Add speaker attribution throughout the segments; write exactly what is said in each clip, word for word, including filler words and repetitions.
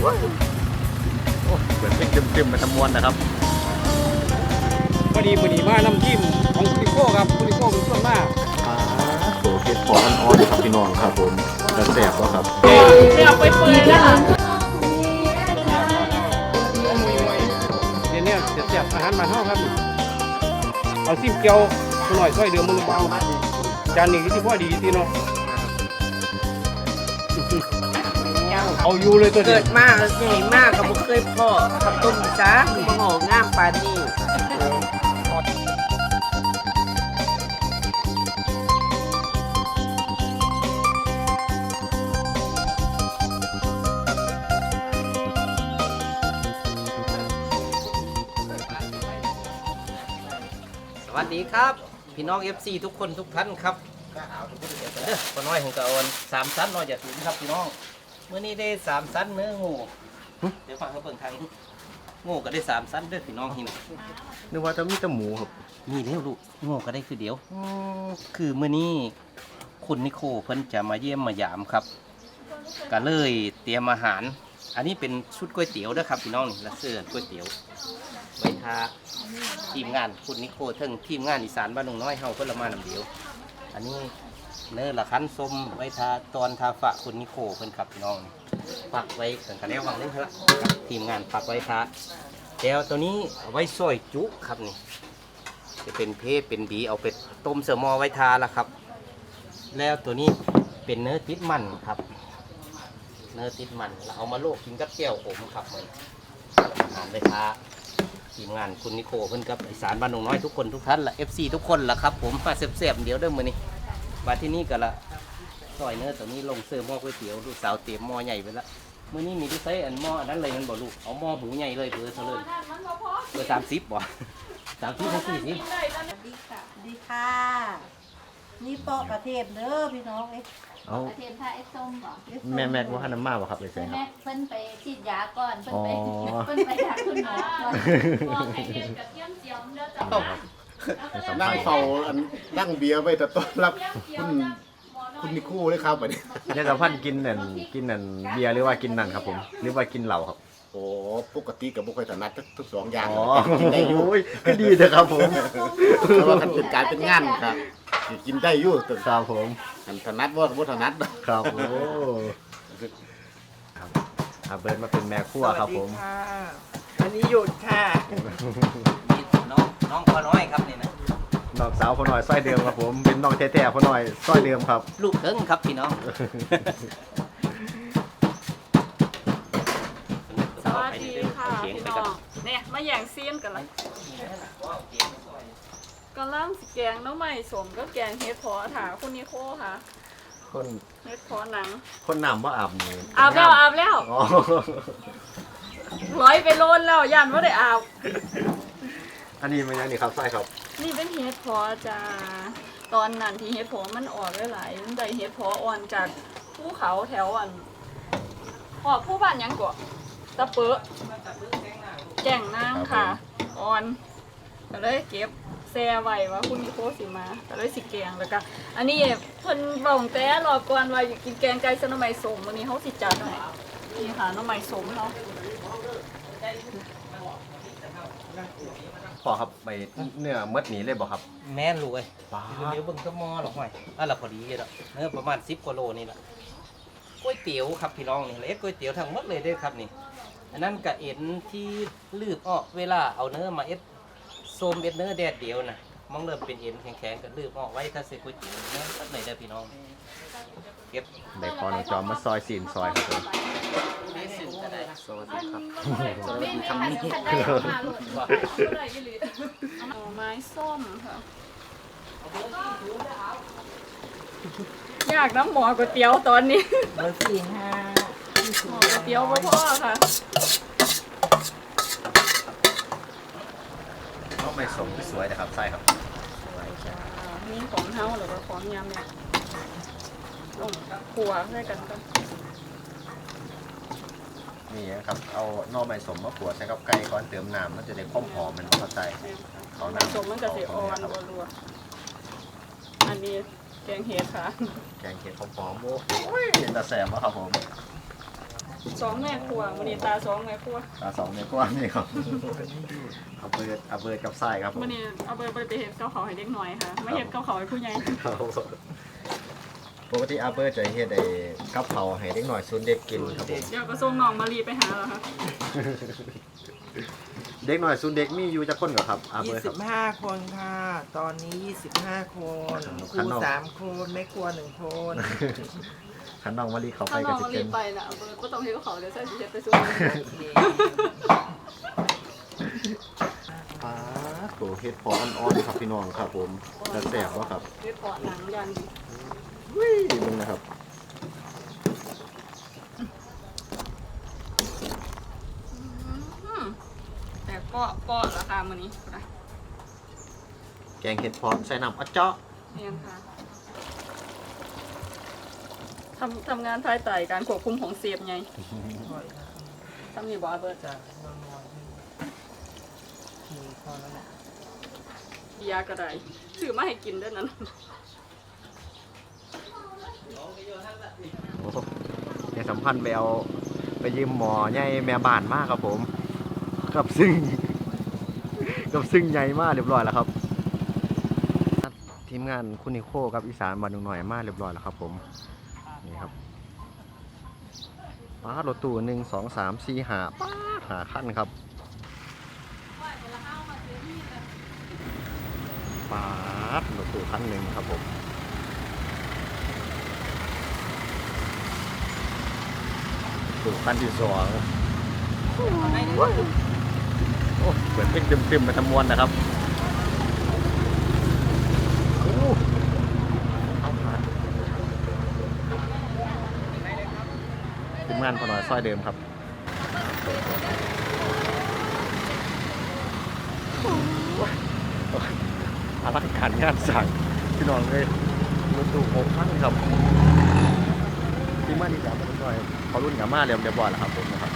Speaker 1: วะโอ้เปิดเพลงเต็มๆมาทำมวนนะครับ
Speaker 2: พอดีพอดีมาน้ำจิ้มของคุณิโก้ครับคุณิโก้เป็นส่วนมาก
Speaker 1: อ่าโตัวเห็ดพออ่อนๆครับพี่น้องครับผมจะแสบวะครับ
Speaker 3: เดี๋ยวไปเปิดนะคะ
Speaker 2: เดี๋ยวนี้จะเสียบอาหารมาเท่าครับเอาซิมเกียวหน่อยซอยเดือมือเบาจานนี้ที่พ่อดีที่เนาะเอาอยู่เลยตัวเกิ
Speaker 3: ดมากใหญ่มากก็บ่เคยพ่อขับต้มจ้าบ่หองามปานนี้
Speaker 4: สวัสดีครับพี่น้อง เอฟ ซี ทุกคนทุกท่านครับเด้อคนน้อยของกะออนสามชั้นน้อยอย่าถึงครับพี่น้องเมื่อนี้ได้สามชั้นเนื้องูเดี๋ยวฟังเขาเบิ่งทางงูก็ได้สามชั้นเด้อพี่น้องที่นี่
Speaker 1: นึกว่าจะมีแต่หมูครับ
Speaker 4: มีเร็วลูกงูก็ได้คือเดียวคือเมื่อนี้คุณนิโคเพิ่นจะมาเยี่ยมมายามครับก็เลยเตรียมอาหารอันนี้เป็นชุดก๋วยเตี๋ยวนะครับพี่น้องนี่ละเสื้อก๋วยเตี๋ยวไว้ทาทีมงานคุณนิโคเทิงทีมงานอีสานบ้านหนองน้อยเฮาเพิ่นละมานำเดียวอันนี้เนื้อละคั้นส้มไว้ทาตอนทาฝะคุณนิโคเพิ่นครับพี่น้องปักไว้กันกันแล้ววางนึงครับทีมงานปักไว้ทาแล้วตัวนี้เอาไว้ซอยจุครับนี่จะเป็นเพเป็นบีเอาไปต้มเสมอไว้ทาละครับแล้วตัวนี้เป็นเนื้อติดมันครับเนื้อติดมันเราเอามาโลกกินกับแก้วผมครับเหมือนอาหารไว้ทาทีมงานคุณนิโคเพิ่นกับอีสานบ้านหนองน้อยทุกคนทุกท่านละ เอฟ ซี ทุกคนละครับผมมาเสียบๆเดี๋ยวเด้อมื้อนี้มาที่นี่กันละซอยเนื้อตัวนี้ลงเสื้อหม้อก๋วยเตี๋ยวลูกสาวเตรียมหม้อใหญ่ไปละมื้อนี้มีที่ใช้อันหม้ออันนั้นเลยมันบ่ลูกเอาหม้อหูใหญ่เลยเบอร์เท่าเลยเบอร์สามสิบบ่สามสิบถึงสี่สิบ
Speaker 5: ดีค่ะดีค่ะนี่ปอกกระเทียมเด้อพี่น้องเอ้ย
Speaker 1: เอา
Speaker 6: กระเทียมไทยไอ้ส้มบ่
Speaker 1: แม่แม็กว่าน้ำมาบ่ครับไปใส่ครั
Speaker 6: แม่
Speaker 1: บ
Speaker 6: เพิ่นไปฉีดยาก่อนเพิ่นไป
Speaker 1: อ๋อ
Speaker 6: เพิ่นไปหาคุณหมอก่อนบอกให้เฮ็ดกระเทียมเจียวเด้อจ้ะ
Speaker 7: นั่งเฝ้าอันนั่งเบียร์ไว้แต่ต้อนรับคุณคุณนิคู่เลยครับแบบนี้
Speaker 1: ยายสัมพันธ์กินนั่นกินนั่นเบียร์หรือว่ากินนั่นครับผมหรือว่ากินเหล้าครับ
Speaker 7: โอ้ปกติกับบุคคลถนัดทุกสองอย่าง
Speaker 1: อ๋อ
Speaker 7: กินได้อยู่
Speaker 1: โอ้ยก็ดีเถอะครับผม
Speaker 7: เพราะว่าการเป็นการเป็นงานครับกินได้อยู่ตึก
Speaker 1: ครับผม
Speaker 7: ถนัดว่าบ่ถนัด
Speaker 1: ครับโอ้ครับอาเบิร์ดมาเป็นแม่ครัวครับผม
Speaker 3: อันนี้หยุดค่ะ
Speaker 4: นี่น้องน้องพ่อน้อยครับนี่นะ
Speaker 1: น้องสาวพ่อหน่อยสร้อยเดิมครับผมเป็นน้องแท้ๆพ่อหน่อยสร้อยเดิมครับ
Speaker 4: ลูกเถิงครับพี่น้อง
Speaker 8: สวัสดีค่ะพี่น้องเนี่ยมาแย่งซีนกันละกำลังสิแกงน้ำใหม่สมก็แกงเฮ็ดพอถาคุณนิโคค่ะ
Speaker 1: คน
Speaker 8: เฮ็ดพอหนัง
Speaker 1: คนน้ำว่าอาบนี่
Speaker 8: อาบแล้วอาบแล้ว
Speaker 1: อ๋อ
Speaker 8: ร้อยไปโลนแล้วยันว่าได้อาบ
Speaker 1: อันนี้มันยังนี่ครับไส้ครับ
Speaker 8: นี่เป็นเฮ็ดพอจ้าตอนนั้นที่เฮ็ดพอมันออกหลายๆมันได้เฮ็ดพออ่อนจากภูเขาแถวอันออกผู้บ้านยังกว่าตะเปอะแก่งนางค่ะอ่อนก็เลยเก็บแซ่ไว้ว่าคุณนิโคสิมาก็เลยสิแกงแล้วก็อันนี้เพิ่นเว้าแต่รอบก่อนว่าอยากกินแกงไก่ใส่หน่อไม้ส้มมื้อนี้เฮาสิจัดให้นี่ค่ะหน่อไม้ส้มเฮา
Speaker 1: พอครับไปเนื้อมดหนีเลยบ่ครับ
Speaker 4: แม่นลูกเอ้ยเดี๋ยวเบิ่งก็มอหรอกห่วยอ่ะละพอดีเด้อเนื้อประมาณสิบกว่าโลนี่แหละก๋วยเตี๋ยวครับพี่น้องนี่เอ็ดก๋วยเตี๋ยวทั้งหมดเลยเด้อครับนี่อันนั้นกะเอ็นที่ลืบออกเวลาเอาเนื้อมาเอ็ดโซมเอ็ดเนื้อแดดเดียวนะมองเริ่มเป็นเอ็นแข็งๆก็ลืบออกไว้ถ้าใส่ก๋วยเตี๋ยวเนื้อตัดเลยเด้อพี่น้องเก็บ
Speaker 1: เด็กพอน้องจอมมาซอยสีนซอยครับผม
Speaker 7: สวัสดีครับ
Speaker 6: สวัสดีคำนี้
Speaker 8: หน่อไม้ส้มค่ะอยากน้ำหมอก๋วยเตี๋ยวตอนนี้
Speaker 3: เบอร์สี่ห้า
Speaker 8: หมอก๋วยเตี๋ยวพ่อค่ะ
Speaker 1: ก็ไม่สมสวยนะครับไส้ครับ
Speaker 8: นี่ของเฮาหรือว่าของยำเนี่ยลงขัวด้วยกันกัน
Speaker 1: นี่นะครับเอาหน่อไม้สมมาขวดใช้กับไก่ก่อนเติมน้ำมันจะได้ความหอมมันเข้าใจเขาน้ำ
Speaker 8: สมมันจะสีอ่อนรัวๆอันนี้แกงเห็ดค่ะ
Speaker 1: แกงเห็ดหอมๆโอ้ยเป็นตาแสบวะครับผม
Speaker 8: สองแม่ครัววันนี้ตาสองแม่ครัว
Speaker 1: ตาสองในกว้างนี่ครับเอาเบิร์ดเอาเบิร์ดกับไส้ครับผม
Speaker 8: วันนี้เอาไปไปเห็ดเกาเขาให้เด็กหน่อยค่ะไม่เห็ดเกาเขาให้ผู้ใหญ่
Speaker 1: ปกติอาเบิร์ดจะเฮ็ดไอ้กับเขาวให้เด็กหน่อยซุนเด็กกินครับผม
Speaker 8: เดี๋ยวก็ส่งน้องมารีไปหาเหรอคะ
Speaker 1: เด็กหน่อยซุนเด็กมีอยู่จักคนก่อนครับอาเบิ
Speaker 3: ยี่
Speaker 1: ร์ดค
Speaker 3: สิ
Speaker 1: รับบ
Speaker 3: ห้าคนค่ะ ตอนนี้ยี่สิบห้าคนครู
Speaker 1: ข้างนอก
Speaker 3: สามคนไม่ครัวหนึ่งคน
Speaker 1: ขันน้องมารีเขาไป
Speaker 8: ถ้าน้
Speaker 1: กั
Speaker 8: อบ ง
Speaker 1: สิ
Speaker 8: มารี
Speaker 1: เกิน
Speaker 8: ไปน่ะเบิร์ดก็ต้องเห็ดเกาเขาเดี๋ยวใส่เห็ดไปส่ง
Speaker 1: ป้าโตเฮ็ดพออ่อนๆครับพี่น้องครับผมจะแสบวะครับ
Speaker 8: เห็ดเพาะหนังยัน
Speaker 1: วิ่งมึงนะครับ
Speaker 8: อืมแต่ก็ก็ราคามันนี้นะ
Speaker 1: แกงเห็ดพอใส่น้ำอะเจาะ
Speaker 8: เรียนค่ะทำทำงานภายใต้การควบคุมของเสียบไงทำนี่บอเบิร์ด
Speaker 3: จะนอนนอนมีพอแล้วแหละ
Speaker 8: เบียร์ก็ได้ซื้อมาให้กินด้วยนั้น
Speaker 1: โอ้โหในสัมพันธ์ไปเอาไปยืมหมอใหญ่แม่บ้านมากครับผมกับซึ่ง กับซึ่งใหญ่มากเรียบร้อยแล้วครับทีมงานคุณนิโคกับอีสานบ้านหนุ่มหน่อยมากเรียบร้อยแล้วครับผมนี่ครับป้ารถตู้หนึ่งสองสามสี่หาป้าหาขั้นครับป้ารถตู้ขั้นหนึ่งครับผมตู้ขั้นที่สองโอ้เหมือนเป็นเต็มๆไปทั้งมวลนะครับโอ้เอาผ่านทีมงานพอหน่อยซอยเดิมครับอลังการงานสั่งพี่น้องเลยรถตู้หกพันครับทีมงานที่สามพอหน่อยเขารุ่นกับมาเรียบเรียบร้อยแล้วครับผมนะครับ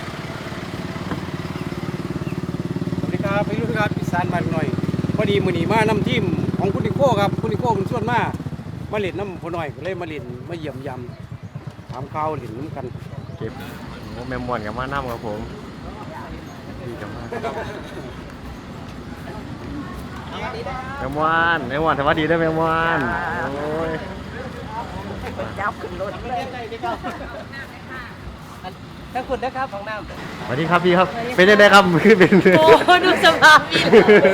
Speaker 2: สวัสดีครับพี่รุ่นครับอีสานบ้านหน่อยพอดีมื้อนี้มานำทีมของคุณนิโก้ครับคุณนิโก้เป็นส่วนมามาเล่นน้ำพอหน่อยก็เลยมาเล่นมาเยี่ยมยำถามข่าวเล่นน้ำกัน
Speaker 1: เก็บโอ้แมมมวนกับมาน้ำครับผมดีจังมากแมมมวนแมมมวนสวัสดีด้วยแมมมวนโอ้ย
Speaker 3: เจ้าขึ้นรถเลย
Speaker 4: ถ้าคุณนะครับของน้ำ
Speaker 1: สวัสดีครับพี่ครับเป็นยังไงครับคือเป็น
Speaker 5: โอ้ดูสภาพพี่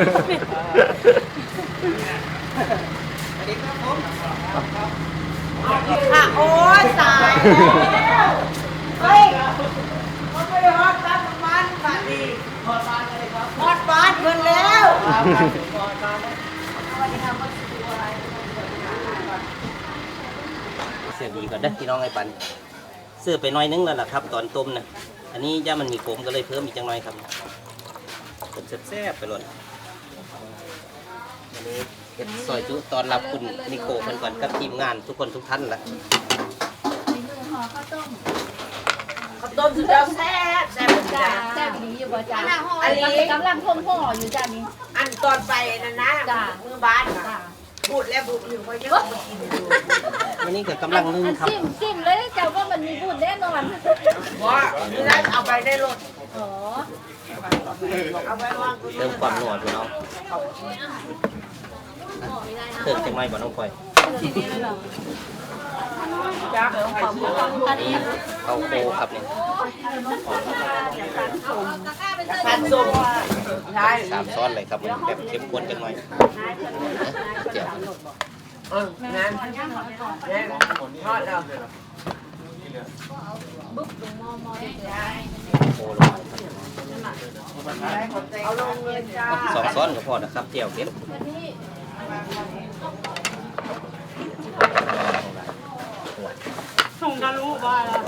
Speaker 5: ค่ะโอ้ยตายแล้วเฮ้ยมันไม่ได้ฮอดบ้านมันบ้านดีฮอดบ้านเลยครับฮอดบ้านเพิ่นแล้วสวัสดีครับ
Speaker 4: เสื้อดีก่อนเด้อพี่น้องไอ้ปันเสื้อไปหน้อยนึงแล้วล่ะครับ ตอนต้มนะอันนี้ย่ามันมีขมก็เลยเพิ่มอีกจังหน่อยครับเป็นแซ่บๆไปเลยอันนี้เฮ็ดซอยจุตอนรับคุณนิโคเพิ่นก่อนกับทีมงานทุกคนทุกท่านล่ะ
Speaker 5: ข้าวต้ม
Speaker 3: ข้าวต้มสุดยอดแซ่บแซ่บจ้า
Speaker 5: แซ่บดีอยู่บ่จ้า
Speaker 3: อันนี้
Speaker 5: กำลังพ่มห่ออยู่จ้านี้
Speaker 3: อันตอนไปนั่นนะ
Speaker 5: จ้า
Speaker 3: มือบ้านค่ะพูดแล้วพูดอยู่ว่ายังไม่กินอยู่
Speaker 4: วันนี้ก็กำลังนึ่งครับ
Speaker 5: ซิมซิมเลยเจ้าว่ามันมีบุญแน่นอน
Speaker 3: ว่านี่นะเอาไปในรถ
Speaker 5: อ๋อ
Speaker 3: เอาไปวาง
Speaker 4: เติมความนัวพี่น้องเติมจังหน่อยบ่น้องพลอย
Speaker 3: จ้า
Speaker 5: อันนี้
Speaker 4: เอาโคครับนี่
Speaker 3: ผัดส้มใช่
Speaker 4: สามซ้อนเลยครับมันแบบเข้มข้นจังหน่อยเจียว
Speaker 3: เอองั้นงั้นทอดแล้ว
Speaker 4: โคลงไปครับ
Speaker 3: เอาลงเลยจ้า
Speaker 4: สองซ้อนก็พอนะครับเจียวเก็บ
Speaker 8: ส่งกันรู้บ้าแล้ว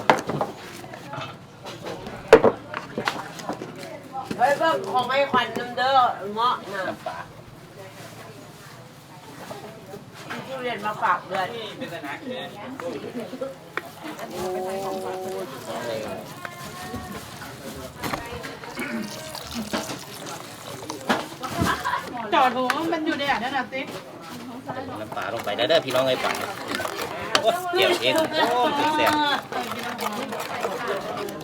Speaker 3: เฮ้ยเบิ่งของไอ้ขวัญน้ำเด้อเงาะน่ะ
Speaker 4: น้ำปลา
Speaker 3: ที่เรียนมาฝากเดือน
Speaker 8: จอดหูมันอยู่ในอ่ะนั่นน่ะติ๊ก
Speaker 4: น้ำปลาลงไปได้เด้อพี่น้องไอ้ปังโอ้เจียวเองโอ้แซ่บ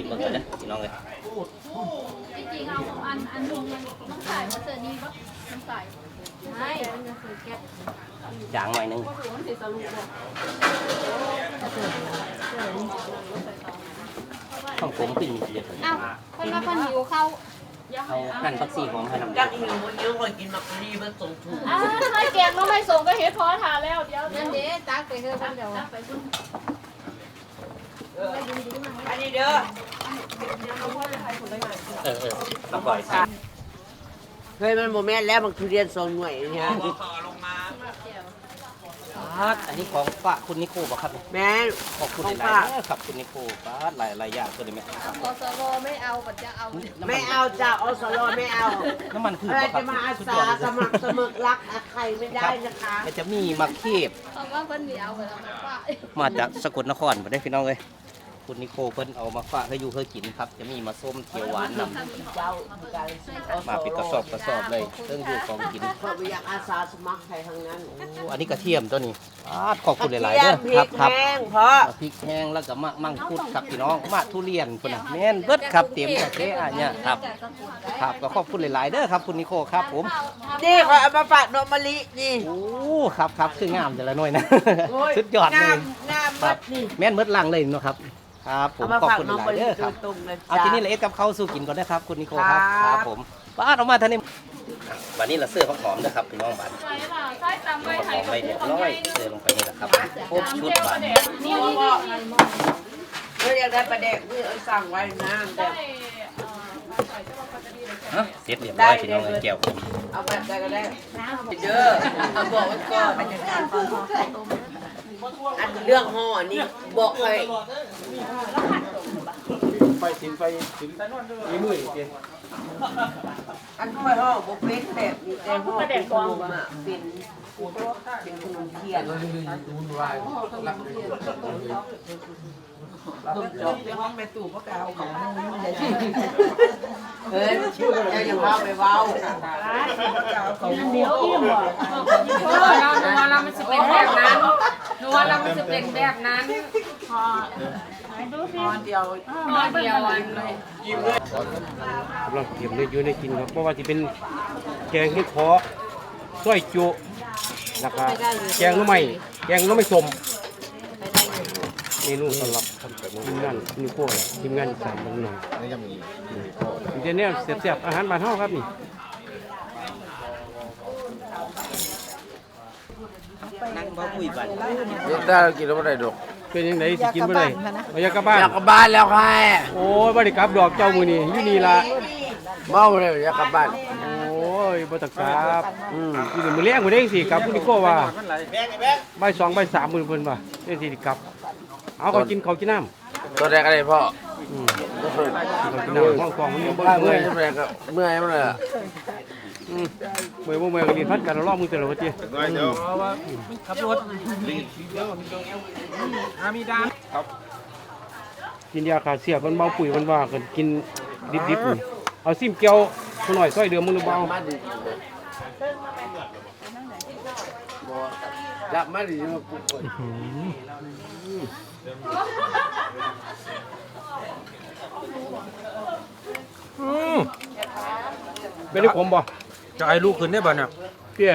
Speaker 4: ชิมเบิ่งกันนะพี่น้องเลย
Speaker 6: จริงๆเอาอันอันนึงน้ำใส่มาเจอนี่ปะน้ำใส่ใช่ก็คือแก๊ส
Speaker 4: จางหน่อยนึง
Speaker 6: ก็ถือมันสีสรุปเลย
Speaker 4: ของผมขึ้นมีเสีย
Speaker 6: อ้าวคนมาคนหิวเข้า
Speaker 4: เอาหั่นผักชีหอมให้น้ำ
Speaker 3: จักหิวมันเยอะกว่ากินมักรีมันส่งถูก
Speaker 6: อ่าไม่แกงก็ไม่ส่งก็เฮ็ดพอทานแล้วเดี๋ยวนั่นเด้ตักไปเถอะเดี๋ยวตักไปซุ่ม
Speaker 3: อันนี้เด้อ
Speaker 4: เออเออเอาปล่อยใส่
Speaker 3: เคยมันโมแม่นแล้วมันทุเรียนสองหน่วยเนี่ย
Speaker 4: ครับอันนี้ของฝากคุณนิโคบ่ครับ
Speaker 3: แม่น
Speaker 4: ขอบคุณห
Speaker 3: ของ
Speaker 4: ลาย
Speaker 3: ฝาก
Speaker 4: ๆเด้อครับคุณนิโคป้าดหลายหลายอย่างตัวนี้ไหมครับ
Speaker 6: พอสโลไม่เอาปัจจะเอา
Speaker 3: ไม่เอาจ้าอสรไม่เอา
Speaker 4: น้ำมันพืช
Speaker 3: อะไร
Speaker 4: บ่ครั
Speaker 3: จะ
Speaker 4: บ
Speaker 3: มาอา
Speaker 4: สุด
Speaker 3: สาย
Speaker 4: อดเลย
Speaker 3: สมัครสมัครรักอาใครไม่ได้นะคะ
Speaker 4: มันจะมีมะเขบ
Speaker 6: เพราะว่าเพิ่นมีเอาไปแล้วมันว่า
Speaker 4: มาจากสกลนครมาได้พี่น้องเลยคุณนิโคเพิ่นเอามาฝากให้อยู่เพื่อกินครับ จะมีมาส้มเขียวหวานนำ
Speaker 3: เจ้า
Speaker 4: มาเป็นกระสอบกระสอบเลยเครื่องอยู่ของกิน
Speaker 3: เพราะไม่อยากอาสาสมัครใครทั้งนั้น
Speaker 4: โอ้อันนี้กระเทียมตัวนี้ป้าดขอบคุณหลายๆ
Speaker 3: เที
Speaker 4: เด้
Speaker 3: ย
Speaker 4: อ
Speaker 3: มพริ
Speaker 4: ครับ
Speaker 3: ก
Speaker 4: ครับ
Speaker 3: แห้งเพราะ
Speaker 4: พริกแห้งแล้วก็มะมังคุดครับพี่น้องมะทุเรียนพุ่นน่ะแม่นเบิดครับเต็มกระเทะอันเนี้ยครับครับก็ขอบคุณหลายๆเด้อครับคุณนิโคครับผม
Speaker 3: นี่ขอเอามาฝากนมมะลินี่
Speaker 4: โอ้ครับครับคืองามแต่ละหน่วยนะ
Speaker 3: โอ้ย
Speaker 4: สุดยอดเล
Speaker 3: งาย มงาม
Speaker 4: ค
Speaker 3: มา
Speaker 4: รั
Speaker 3: ก
Speaker 4: บ
Speaker 3: นี่
Speaker 4: แม่นเบิดลังเลยเนาะครับครับผม
Speaker 3: เอามา
Speaker 4: ขอบ
Speaker 3: ฝาก
Speaker 4: คุณ
Speaker 3: น้อง
Speaker 4: ห
Speaker 3: มะ
Speaker 4: ลายๆ
Speaker 3: ลิ
Speaker 4: เด้อค
Speaker 3: โด
Speaker 4: รับ
Speaker 3: ยตรงเลย
Speaker 4: เอาทีนี้ละเอ็ดกับข้าวสู้กินก่อนนะครับคุณนิโคครับ
Speaker 3: ครับ
Speaker 4: ครับผมป้าดออกมาท่านนี้วันนี้เราเสื้อหอมๆนะครับพี่น้องบ้าน
Speaker 6: ใช่ค่ะใช่ตำ
Speaker 4: ห
Speaker 6: ไป
Speaker 4: อ
Speaker 6: ไข่
Speaker 4: มไปเรียบร้อยเสื้อลงไปนี่แหละครับครบชุดบาท
Speaker 6: นี่นี่นี่
Speaker 3: เมื่ออยากได้ปลาแดกนี่เอาสั่งไว้น้ำแต่
Speaker 6: ได้ใส่เจ้าปลาจะดีเลย
Speaker 4: ฮะเสร็จเรียบร้อยพี่น้องเลยแก้ว
Speaker 3: เอาแบบใดก็ได้เด้อเอาบอกไว้ก่อนอันเรื่องห่อนี่บอกเลย
Speaker 2: ไปสินไปสินมีมืออีกเดียว
Speaker 3: อันค่อยห่อบุฟเฟ่ต์แบบนี้แต่ห่อเป็นขนมอ่ะเป็นเป็นขนมเทียนต้มจบในห้องแม่ตู่พวกเราของมึงเฮ้ยอย่าอย่าพาไปเว้า
Speaker 5: เดี๋ยวอิ่มบ่เพราะว่าเราหนูว่าเรามันจะเป็นแบบนั้นหนูว่าเรามันจะเป็นแบบนั้นพอดูสิ
Speaker 3: ตอนเดียว
Speaker 5: พอเดียวอันเลย
Speaker 2: กำลังเตรียมเลยอยู่ในกินครับเพราะว่าจะเป็นแกงที่ขอสร้อยจุแล้วก็แกงหน้ำไม้แกงหน้ำไม้ส้มเมนูสำหรับทีมงานนี่พวกทีมงานอีสานบ้านหน่อย
Speaker 7: นี่ยังมี
Speaker 2: เดี๋ยวนี้เสียบๆอาหารบ้านเฮาครับนี่
Speaker 4: นั่งเบาคุยบัน
Speaker 7: ได้กินแล้วไม่ได้ดอก
Speaker 2: เป็นยังไงสิกินบ่ได้บ่อยากกลับบ้าน
Speaker 7: อยากกลับบ้านแล้วค่ะ
Speaker 2: โอ้ยบ่ได้กลับดอกเจ้ามื้อนี้อยู่นี่ล่ะ
Speaker 7: เมาเลยอยากกลับบ้าน
Speaker 2: โอ้ยบ่ตักกลับอืมอยู่มื้อแรงบ่ได้สิกลับคุณนิโก้ว่าบ่ายสองบ่ายสามมื้อเพิ่นว่าจังสิกลับ เอาเขากินเขาวกินน้ำ
Speaker 7: ตัวแรกอะไรพ่อ
Speaker 2: อืมเขากินน้ำห้องกองมันยังบ่
Speaker 7: เมื่
Speaker 2: เมื่
Speaker 7: อ
Speaker 2: อย ย
Speaker 7: เมื่อยก็เมื่อยมันเลย
Speaker 2: อืมเมื่อยบ่เมื่อยก็เรียนพัดกันรอบมือแต่ละวันติ
Speaker 7: เดี๋ยว
Speaker 2: ขับรถกินยาขาเสียบมันเบาปุ๋ยมันว่ากันกินดิบๆนี่เอาซิมเกียวผู้หน่อยซอยเดือมมึงเบา
Speaker 7: มาดิจับมาดิมาปุ๊บก่อน
Speaker 2: เป็นได้ขมบ่
Speaker 9: จะให้ลูกขึ้นได้บ่เนี่ย
Speaker 2: เตี้ย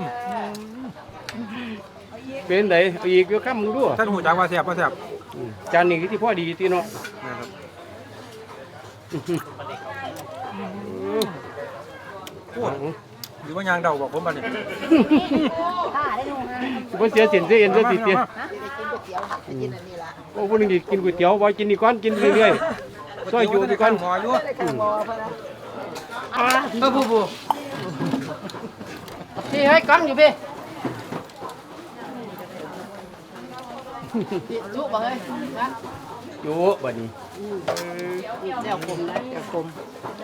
Speaker 2: เป็นไดเอาอีกเดี๋ยวข้ามมึงดู
Speaker 9: ท่านหูจักว่าแซ่บว่าแซ่บ
Speaker 2: อืมจานนี้ที่พ่อดีที่เนาะ
Speaker 9: นะครับ
Speaker 2: พูด
Speaker 9: หรือว่ายางเดาบอกผมบ่เนี่ย
Speaker 2: บ่เสียเสียนเสียเอ็นเสียสิเตี้ยโอ้พวกนึงกินก๋วยเตี๋ยวบ่กินนี่ก่อนกินเรื่อยๆซอยอยู่ไปก่อน
Speaker 9: หมออยู่
Speaker 5: เออผู้ผู้พี่ให้กำอยู่พี่จุบ่เฮ้ยนะ
Speaker 2: อยู่บัดนี้
Speaker 5: แนวคมนะแนวคม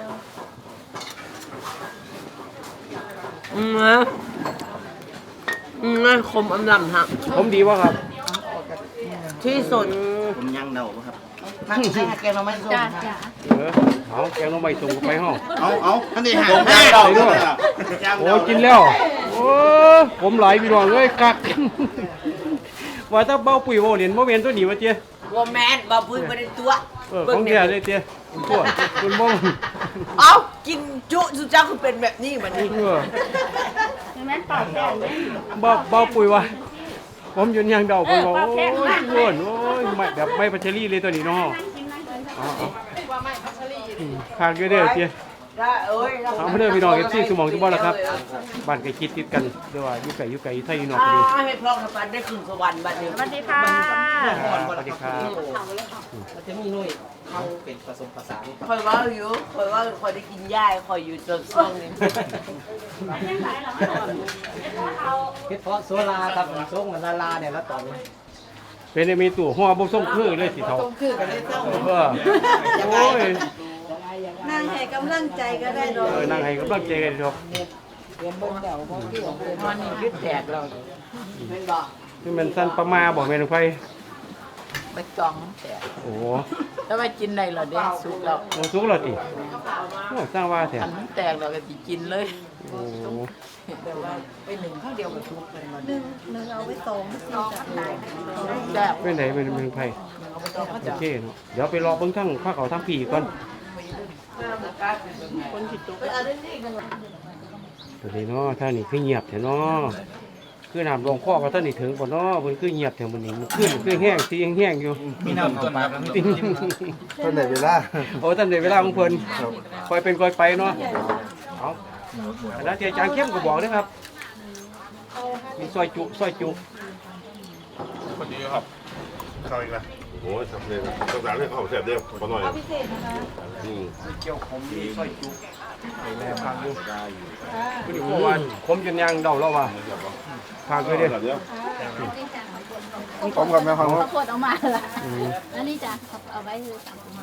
Speaker 3: อืมนะอืมนะคมอำลำฮะ
Speaker 2: ผมดีว่าครับ
Speaker 3: ที่สุด
Speaker 4: ผมยังเดาบ่ครับ
Speaker 3: ทั้งทั้งแกงเราไม่ส้ม
Speaker 5: จ้าจ้า
Speaker 2: เออเอาแกงหน้ำใบส่งไปห้อง
Speaker 7: เอาเอาอันนี้หา
Speaker 2: แกงเราด้วยโอ้กินแล้วโอ้ผมหลายพี่น้องเอ้ยกัก ว่าถ้าเบ้าปุ๋ยโบเหรียญโบเวียนตัวหนีมาเจ้
Speaker 3: บว่าแมนบ่พื้นบ่ได้ตัว
Speaker 2: เออของเดียวเลยเตี้ยคุณพ่อคุณมง
Speaker 3: เอ้ากินจุสุจ้าคือเป็นแบบนี้มันนี่
Speaker 2: เออ
Speaker 8: เห็นไหมปากแดงเนี่ย
Speaker 2: บ่บ่ปุ๋ยว่าผมยืนยังเดาผมบอกโอ้ยอ้วนโอ้ยไม่แบบไม่พัชรีเลยตัวนี้เนาะอ๋อๆข้างเยอะเด้อเตี้ย
Speaker 3: ได้เอ้ย
Speaker 2: เอามาเด้อพี่น้องเอฟซีสมองทุกบ้านแล้วครับบ้านใกล้คิดติดกันเดี๋ยวว่าอยู่ไกลอยู่ไกลไทยอยู่นอก
Speaker 3: อ่า
Speaker 2: ก็ดี
Speaker 3: ให้พร้อมกับปันได้ขึ้นสวรรค์บัดนี้
Speaker 8: สวัสดีค่ะ
Speaker 2: สวัสดีครับ
Speaker 4: มันจะมีหน่วยเข้าเป็นผสมผสาน
Speaker 3: คอยว่าอยู่คอยว่าคอยได้กินหญ้าคอยอยู่จนช่วงนี้
Speaker 4: เฮ็ดเพาะโซลาครับส่งมันลาลาเนี่ยแล้วตอนนี้
Speaker 2: เป็นได้มีตู้ห่อบ่ส่งคือเลยสิเท่า
Speaker 3: ต้องคือกันได้ต้อง
Speaker 2: เออโอ้ย
Speaker 5: นั่งให้กำลังใจก็ได้ดอก
Speaker 2: เออนั่งให้กำลังใจกันครับ
Speaker 3: มันนี่คือแตกเราเป็นบ่
Speaker 2: นี่มันสั้นประมาบ่แม่นไผ
Speaker 3: ไปจองแตก
Speaker 2: โอ้
Speaker 3: แล้วไปกินได้เหรอเด้สุกแล้ว
Speaker 2: โหสุกแล้วติโอ้สร้างว่าแท้
Speaker 3: อันมันแตกเราก็สิกินเลย
Speaker 2: โอ้
Speaker 3: แต่ว่าไปหนึ่งข้าวเดียวก็สุกเลยมัน
Speaker 5: หนึ่งหนึ่งเอาไว้สองสี่จ้ะ
Speaker 3: แซ่บ
Speaker 2: เป็นไดเป็นเมืองไผโอเคเนาะเดี๋ยวไปรอเบิ่งทั้งภาคเขาทั้งผีก่อน
Speaker 3: คนผิดตัว
Speaker 5: เอาเรื่องนี้กัน
Speaker 2: ตัวนี้เนาะท่านี่คือเงียบแท้เนาะคือน้ำลงคอก็ท่านนี่ถึงบ่เนาะเพิ่นคือเงียบแท้มื้อนี้มันขึ้นคือแห้งสิแห้งๆอยู่
Speaker 9: มีน้ำต้นครับ
Speaker 7: เท่าไหร่เวลา
Speaker 2: โอ้ท่านได้เวลาของเพิ่นคอยเป็นคอยไปเนาะเอาอันนั้นที่อาจารย์เข้มก็บอกเด้อครับมีซอยจุซอยจุ
Speaker 7: คนดีครับเข้าอีกแล้วโอ้ยสำเร็จแล้วต้องการให้เขาแซ่บเดียวพอหน่อยพิเศษนะคะอืม
Speaker 2: เกี่ยวขมมีซอยจุไอ้แม่พังอยู่คุณพ่อว่าขมจนยางเดาแล้วว่าพังอยู่เด้อ
Speaker 7: เดี๋ยวผมกับแม่ฟัง
Speaker 6: ข้าวโพดเอามาละอันนี้จ้ะเอาไว้เลยสั่งมา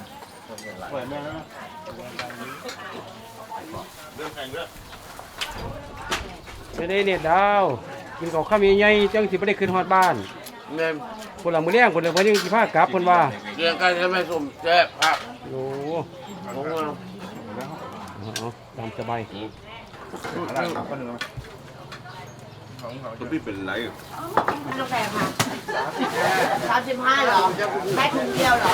Speaker 2: จะได้เนี่ยดาวกินข้าวข้าวใหญ่ๆจังสิบ่ได้ขึ้นฮอดบ้าน
Speaker 3: แม่
Speaker 2: คนละมื้อแรงคนละเพิ่นยังสิพากลับเพิ่นว่า
Speaker 3: เรียงกันใช่ไหมสมแซ่บครับ
Speaker 2: โอ้
Speaker 3: ผมว่า
Speaker 2: เอาๆตามสบาย
Speaker 7: ตัวพี่เป็นไร
Speaker 3: ลูกแพงค่ะสามสิบห้าหรอแค่ถุงเดียวหรอ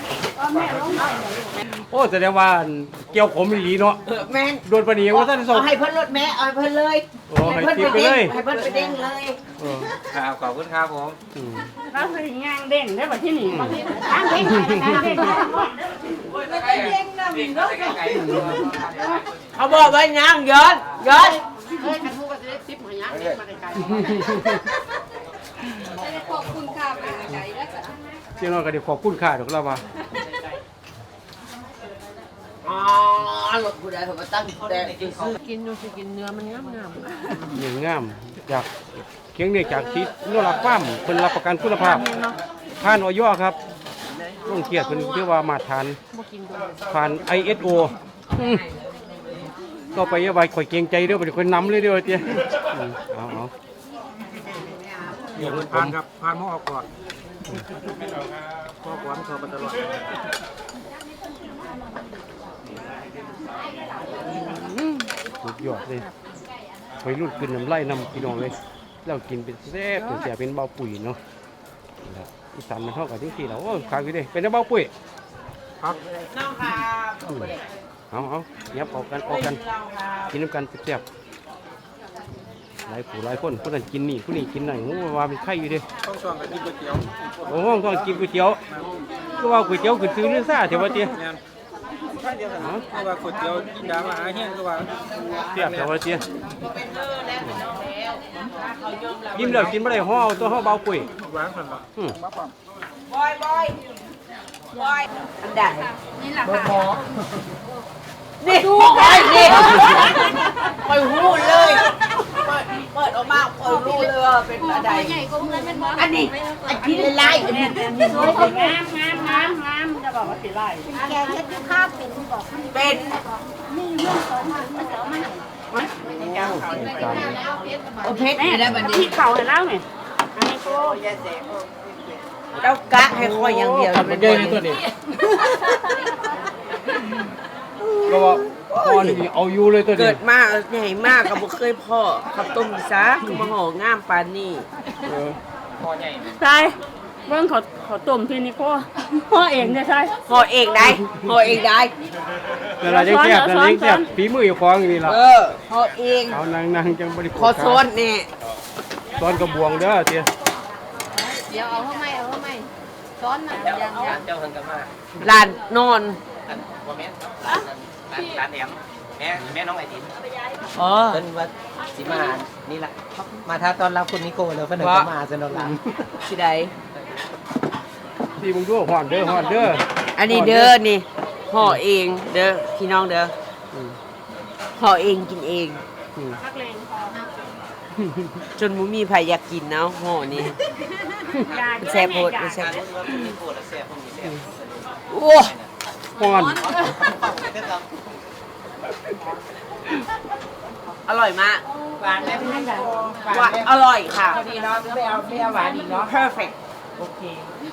Speaker 2: โอ้แสดงว่าเกี่ยวขมอีหลีเนาะ
Speaker 3: เออแม่น
Speaker 2: โดนปานนี้ว่าท่านส่ง
Speaker 3: เอาให้เพิ่นรถแม่เอาให้เพิ่นเลย
Speaker 2: โอ้ให้ทิปไปเลย
Speaker 3: ให้เพิ่นไปเด้งเลย
Speaker 2: เออ
Speaker 9: ครับขอบคุณครับผม
Speaker 2: อืม
Speaker 8: เราคืองานเด่นได้แบบที่นี่งานเด่นงานเด่น
Speaker 3: เขาบอกไว้ย่างย้อนย้อน
Speaker 6: ขอบคุณค่ะแม่ใจแล้วจ้ะ
Speaker 2: เจ้าน้อยก็ได้ขอบคุณค่าดอกแล้วว่า
Speaker 3: อ๋อรถผู้ใดเขามาตั้งแต่ซื้อกินดูสิกินเนื้อมันงามงาม
Speaker 2: หนึ่งงามจากเคียงเนี่ยจากที่นรักฟาร์มเพิ่นรับประกันคุณภาพผ่านออยครับลงเกียรติเพิ่นเรียกว่ามาตรฐานผ่าน ไอ เอส โอ อืมก็ไปเอาไว้ข่อยเกรงใจเด้อเป็นคนนำเลยเด้อเตี้ยอืมเอาเอา
Speaker 9: เดี๋ยวผ่านครับผ่านหม้อออกก่อนพ่อขวัญเขาไปตลอด
Speaker 2: สุดยอดเลยไปรุ่นกินน้ำไล่น้ำพี่น้องเลยเรากินเป็นแซ่บเป็นแซ่บเป็นเบาปุ๋ยเนาะแล้วอีสานมันเท่ากับที่สี่เราโอ้ขายกันดิเป็นเบาปุ๋ย
Speaker 9: ครับ
Speaker 3: น้องครับ
Speaker 2: อืมเอาเอายับออกกันออกกันกินน้ำกันแซ่บๆหลายผู้หลายคนคนนั้นกินนี่คนนี้กินนั่นโอ้ว่าเป็นไข่อยู่ดิ
Speaker 9: ต้องช่วงกับกินก๋วยเตี๋ยว
Speaker 2: โอ้โหต้องกินก๋วยเตี๋ยวก็ว่าก๋วยเตี๋ยวขึ้นซื้อเนื้อซ่าเถอะวะเตี้ย
Speaker 9: แม่นเพราะว่าก๋วยเตี๋ยวกินดามาหาเฮี้ยนก็ว่า
Speaker 2: เสียบเถอะวะเตี้ย
Speaker 3: เป็นเนื้อแล้วเป็นน้องแล้วเขายอมแล้ว
Speaker 2: กินแล้วกินไม่ได้ห่อเอาตัวห่อเบาปุ๋ย
Speaker 9: หวานสันละ
Speaker 2: อืม
Speaker 3: บอยบอยบอยอันใด
Speaker 6: นี่แหละค่ะ
Speaker 3: นี่ดูไปนี่ปล่อยหูเลยเปิดเปิดออกมาปล่อยหูเลยว่าเป็นอะไร
Speaker 6: ใหญ่กว่าเงินเป็นบอส
Speaker 3: อันนี้อันที่ไล่อันนี้อันนี้
Speaker 8: สวยงามงามงามงามจะบอกว่าสีไล่
Speaker 5: แกเช็ดข้าวเป็นบอก
Speaker 3: เป็น
Speaker 5: นี่เรื่องสองพันมันจะเอามาให้
Speaker 3: โอเพชรนี่ได้บัดนี้
Speaker 8: ที่เข่าเห็นแล้วเนี่ยอันนี้ก็
Speaker 3: เจ้ากะให้คอยอย่างเดียว
Speaker 2: ขับรถเยอะในตัวนี้ก็ว่าพ่อนี่เอาอยู่เลยตัวนี้
Speaker 3: เกิดมาใหญ่มากกับบ่เคยพ่อขับต้มซะคือมาห่องามปานนี้
Speaker 2: เออ
Speaker 8: ใช่เบิ่งเขาเขาต้มที่นี่ก็ห่อเองเนี่ยใช่
Speaker 3: ห่อเองได้ห่อเองได้
Speaker 2: แล้วเราจะแซ่บแล้วเราจะแซ่บฝีมืออยู่ของนี่ล่ะ
Speaker 3: เออห่อเอง
Speaker 2: เอานางๆจังบ่ได้
Speaker 3: ขอซ้อนนี่
Speaker 2: ซ้อนกระบวงเด้อเตี้ย
Speaker 6: เดี๋ยวเอาเข้าไม่เอาเข้าไม่ซ้อนนะยัง
Speaker 4: ร้านเจ้าเพิ่นก็มา
Speaker 3: ลานนอน
Speaker 4: อันบ่แม่นร้านร้านร้านแหนมแม่แม่น้องไอติม
Speaker 3: อ๋อ
Speaker 4: เพิ่นว่าสิมานี่ล่ะมาท้าต้อนรับคุณนิโก้แล้วเพิ่นก็มาซะเนาะล่ะ
Speaker 3: สิได้
Speaker 2: ที่มึงดูฮ้อนเด้อฮ้อนเด้อ
Speaker 3: อันนี้เด้อนี่ห่อเองเด้อพี่น้องเด้ออห่อเองกินเอง
Speaker 8: นักเลงพอ
Speaker 3: จนบ่มีไผอยากกินเนาะห่อนี้แซ่บโพดแซ่บ
Speaker 4: การที่ว่าคุณนิโก้แล้วแซ่บพวกนี้แซ่บ
Speaker 3: โอ้
Speaker 2: ฮ้อน
Speaker 3: อร่อยมาก
Speaker 5: หวานไหมพี่นั่นจ้ะ
Speaker 3: หวานอร่อยค่ะ
Speaker 5: พอดีเนาะไม่เอาไม่เอาหวานอีกเนาะ
Speaker 3: perfect
Speaker 5: โอเค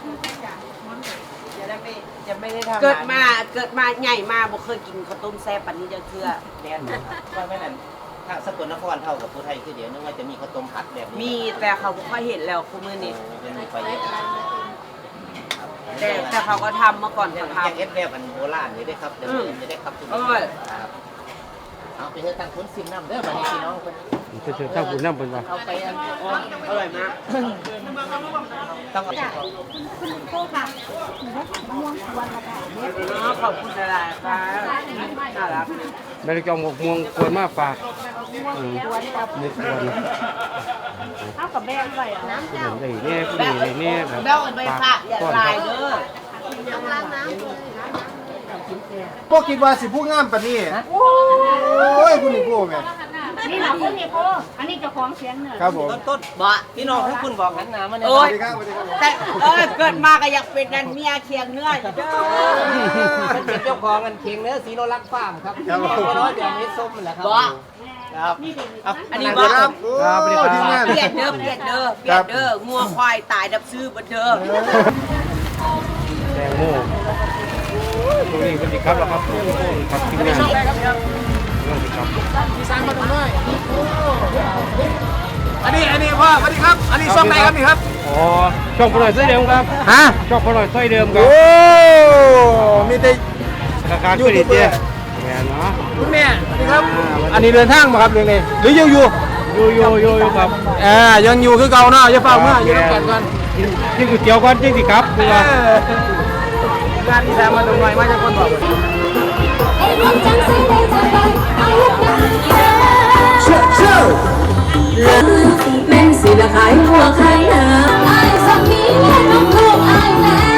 Speaker 5: จะได้ไม่จะไม่ได้ทำ
Speaker 3: เกิดมาเกิดมาใหญ่มาบ่เคยกินข้าวต้มแซ่บปานนี้จะเทื่อ
Speaker 4: แน่นว่าแม่นั่นถ้าสกลนครเท่ากับผู้ไทยคือเดี๋ยวนึกว่าจะมีข้าวต้มผัดแบบนี้
Speaker 3: มีแต่เขาบ่ค่อยเห็นแล้วคู่มื้อนี้
Speaker 4: เป็นมีไฟเยอะ
Speaker 3: แต่แต่เขาก็ทำเมื่อก่อน
Speaker 4: เนี่ย
Speaker 3: เขา
Speaker 4: มัน
Speaker 3: ท
Speaker 4: ยังเอฟแบบมันโบราณเลยได้ครับเดี๋ยวจะได้ครับคุณ
Speaker 3: ำอร่อย
Speaker 4: ครับเอาไปเฮ็ดทางคุณซิมน้ำเด้อบัดนี้พี่น้องเพิ่น
Speaker 2: เพิ่นถ้าคุณนำเพิ่นว่า
Speaker 3: เอาไปอันอ๋ออร่อยมาก
Speaker 4: ต้องเอา
Speaker 6: โก้ค่ะหนูได้ขายมะม่วงกวนมาค่ะ
Speaker 3: อ๋อขอบคุณหลายๆค่ะน่ารัก
Speaker 2: ได้จองหมกม่วงกวนมาฝากอืม
Speaker 6: กวนกับ
Speaker 2: นี่กวน
Speaker 6: ข้าวกับแบงไปอ่ะน้ำ
Speaker 2: เห็นได้แน่ผู้นี้ได้แน่แบบ
Speaker 3: เบลเอาไปฝากอย่าลายเด้อ
Speaker 6: ต้องล้างน้ำเลย
Speaker 9: พวกคิดว่าสิผู้งามปานนี้โอ้ยคุณนี่ผู้แม่
Speaker 6: นี่หลังคนนี้โก้อันนี้เจ้าของเสียงเหนือ
Speaker 9: ครับผม
Speaker 4: ต้นต้น
Speaker 3: บ่
Speaker 4: พี่น้องทั้งคุณบอกหันหน้ามาเนี่ย
Speaker 3: โอ้
Speaker 9: สวั
Speaker 3: ย
Speaker 9: สดีครับสวัสดีครับ
Speaker 3: แต่เออเกิดมาก็อยากเป็นนันเมียเคียงเนื้ออยู่เด้อ
Speaker 4: เป็นเจ้าของกันเคียงเนื้อสีโนรักฟาร์มครับ
Speaker 9: ครับผม
Speaker 4: น้อยเดี๋ยวนี้ส้มแหละครับ
Speaker 3: บ่
Speaker 4: ครับเอา
Speaker 3: อันนี้
Speaker 4: บ่
Speaker 3: บ่
Speaker 9: ครับโอ้ยทีมงาน
Speaker 3: เปลี่ยนเด้อเปลี่ยนเด้อเปลี่ยนเด้องัวควายตายดับซื้อบ่เด้อ
Speaker 2: แตงโมตรงนี้เพิ่นสิครับแล้วครับครับทีมงานเรื่องสิครับ
Speaker 9: พี่สานมาดูหน่อยอันนี้อันนี้พ่อสวัสดีครับ อันนี้ช่องไหนครับนี่ครับ
Speaker 2: อ๋อช่องพลอยซอยเดิมครับ
Speaker 9: ฮะ
Speaker 2: ช่องพลอยซอยเดิมครับ
Speaker 9: โอ้มีแต่
Speaker 2: ราคาคือดีเตี้ยแม่นเนาะ
Speaker 9: คุณแม่สวัสดีครับ อันนี้เดินทางมาครับเรื่องนี้หรือยังอยู่
Speaker 2: อยู่อยู่อยู่อยู่ครับ
Speaker 9: อ่ายังอยู่คือเก่าเนาะอย่าเฝ้าเมื่ออยู่ด้วยกันก่อน
Speaker 2: กินกินก๋วยเตี๋ยวก่อนจริงสิครับคือว่า
Speaker 9: งานที่แซมมาตรงไหนมาจากคนบอก
Speaker 10: แม่นสิละขายหัวขายหาไอ้สักนี้แม่น้องลูกไอ้แม่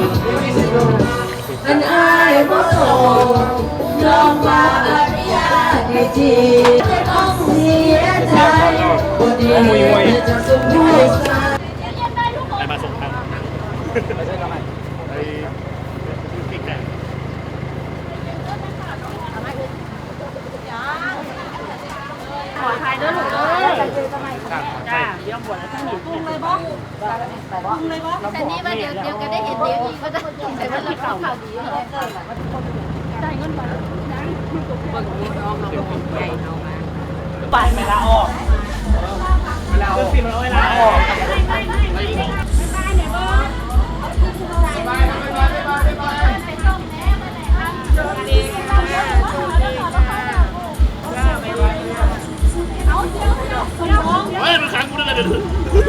Speaker 10: อันไอ้บ่โตยอมว่าอนุญาตให้จีจะต้องเสียใจบ่ดีจะสมมุติ
Speaker 1: ไปมาส่งทางไปพี่แก่
Speaker 8: ขอทายเด้อลูกเด้อจ้าเดี๋ยวบวชแล้วทั้งนี้ปรุงเลยบ่ปรุงเลยบ่
Speaker 6: แต่นี่ว่าเดี๋ยวเดี๋ยวก็ได้เห็นเดี๋ยวอีกก็จะแต่ว่าเราข่าวดีเลย
Speaker 8: ได้เงินบ่ยัง
Speaker 3: ไปเวลาออกเวลาออกเวลาออก
Speaker 1: เฮ้ยมันขังกูได้เลยเดี๋ยว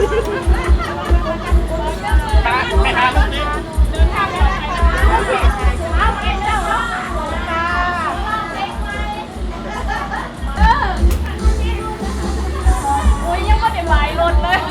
Speaker 1: ไปหาลูกนี้
Speaker 8: โอ้ยยังไม่ได้หลายรถเลย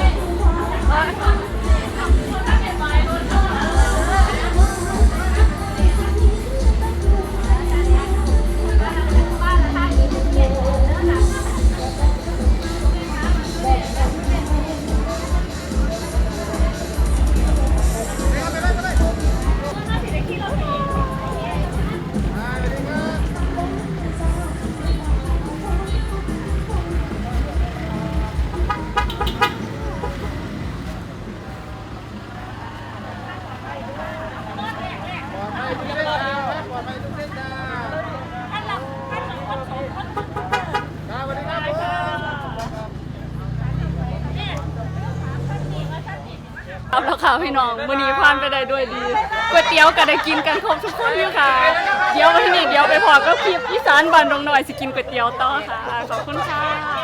Speaker 8: เอาแล้วค่ะพี่น้องมื้อนี้ผ่านไปได้ด้วยดีก๋วยเตี๋ยวก็ได้กินกันครบทุกคนอยู่ค่ะเดี๋ยววันนี้เดี๋ยวไปพอก็คลิปอีสานบ้านดงหน่อยสิกินก๋วยเตี๋ยวต่อค่ะขอบคุณค่ะ